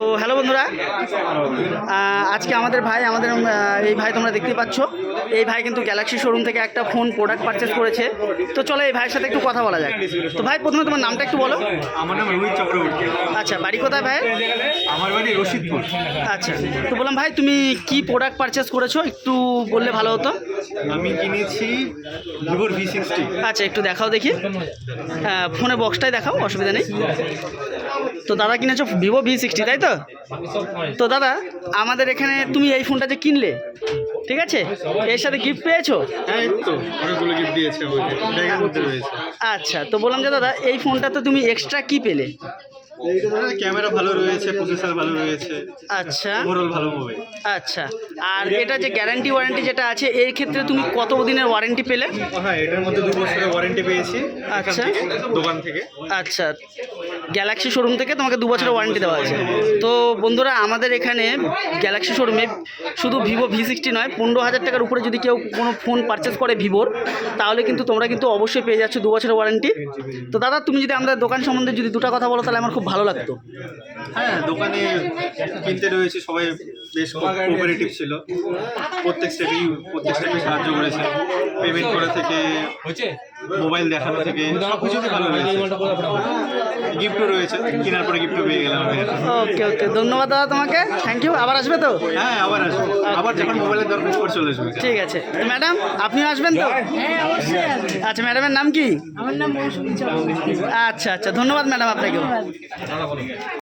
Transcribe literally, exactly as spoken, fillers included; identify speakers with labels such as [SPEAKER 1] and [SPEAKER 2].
[SPEAKER 1] তো হ্যালো বন্ধুরা, আজকে আমাদের ভাই আমাদের এই ভাই তোমরা দেখতে পাচ্ছ, এই ভাই কিন্তু গ্যালাক্সি শোরুম থেকে একটা ফোন প্রোডাক্ট পারচেস করেছে। তো চলো এই ভাইয়ের সাথে একটু কথা বলা যাক। তো ভাই প্রথমে তোমার নামটা একটু বলো।
[SPEAKER 2] আমার নাম রোহিত চক্রবর্তী।
[SPEAKER 1] আচ্ছা, বাড়ি কোথায় ভাই?
[SPEAKER 2] আমার বাড়ি রশিদপুর।
[SPEAKER 1] আচ্ছা, তো বললাম ভাই তুমি কি প্রোডাক্ট পারচেস করেছো একটু বললে ভালো হতো।
[SPEAKER 2] আমি কিনেছি ভিভোর ভি সিক্সটি।
[SPEAKER 1] আচ্ছা, একটু দেখাও দেখি, ফোনে বক্সটাই দেখাও, অসুবিধা নেই। তো দাদা কিনেছো ভিভো ভি সিক্সটি, তাই তো? তো দাদা আমাদের এখানে তুমি এই ফোনটা যে কিনলে, ঠিক আছে, এর সাথে গিফট পেয়েছো?
[SPEAKER 2] হ্যাঁ, তো অনেকগুলো গিফট দিয়েছে আমাকে, ব্যাগের মধ্যে রয়েছে।
[SPEAKER 1] আচ্ছা, তো বললাম যে দাদা এই ফোনটাতে তুমি এক্সট্রা কি পেলে?
[SPEAKER 2] ক্যামেরা ভালো রয়েছে, প্রসেসর ভালো রয়েছে।
[SPEAKER 1] আচ্ছা,
[SPEAKER 2] ওভারঅল ভালো মোবাইল।
[SPEAKER 1] আচ্ছা, আর এটা যে গ্যারান্টি ওয়ারেন্টি যেটা আছে এর ক্ষেত্রে তুমি কত দিনের ওয়ারেন্টি পেলে?
[SPEAKER 2] হ্যাঁ, এটার মধ্যে দু বছরের ওয়ারেন্টি পেয়েছি।
[SPEAKER 1] আচ্ছা,
[SPEAKER 2] দোকান থেকে।
[SPEAKER 1] আচ্ছা, গ্যালাক্সি শোরুম থেকে তোমাকে দু বছরের ওয়ারেন্টি দেওয়া আছে। তো বন্ধুরা আমাদের এখানে গ্যালাক্সি শোরুমে শুধু ভিভো ভি সিক্সটি নয়, পনেরো হাজার টাকার উপরে যদি কেউ কোনো ফোন পারচেস করে ভিভোর, তাহলে কিন্তু তোমরা কিন্তু অবশ্যই পেয়ে যাচ্ছ দু বছরের ওয়ারেন্টি। তো দাদা তুমি যদি আমাদের দোকান সম্বন্ধে যদি দুটো কথা বলো তাহলে আমার খুব ভালো লাগতো।
[SPEAKER 2] হ্যাঁ, দোকানে কিনতে রয়েছে সবাই বেশ কোঅপারেটিভ ছিল। প্রত্যেক স্টেপেই প্রত্যেক স্টেপে সাহায্য করেছে, পেমেন্ট করা থেকে মোবাইল দেখানো থেকে সব কিছুতে ভালো রয়েছে। গিফটও রয়েছে, কেনার পরে গিফটও পেয়ে গেলাম।
[SPEAKER 1] ওকে ওকে, ধন্যবাদ দাদা তোমাকে, থ্যাংক ইউ। আবার আসবে তো?
[SPEAKER 2] হ্যাঁ, আবার আসবো, আবার যখন মোবাইলের দরকার পড়ে চলে আসবে।
[SPEAKER 1] ঠিক আছে। তো ম্যাডাম আপনিও আসবেন তো? আচ্ছা, ম্যাডামের নাম কি?
[SPEAKER 3] আমার নাম মৌসুমী চক্রবর্তী।
[SPEAKER 1] আচ্ছা আচ্ছা, ধন্যবাদ ম্যাডাম আপনাকেও।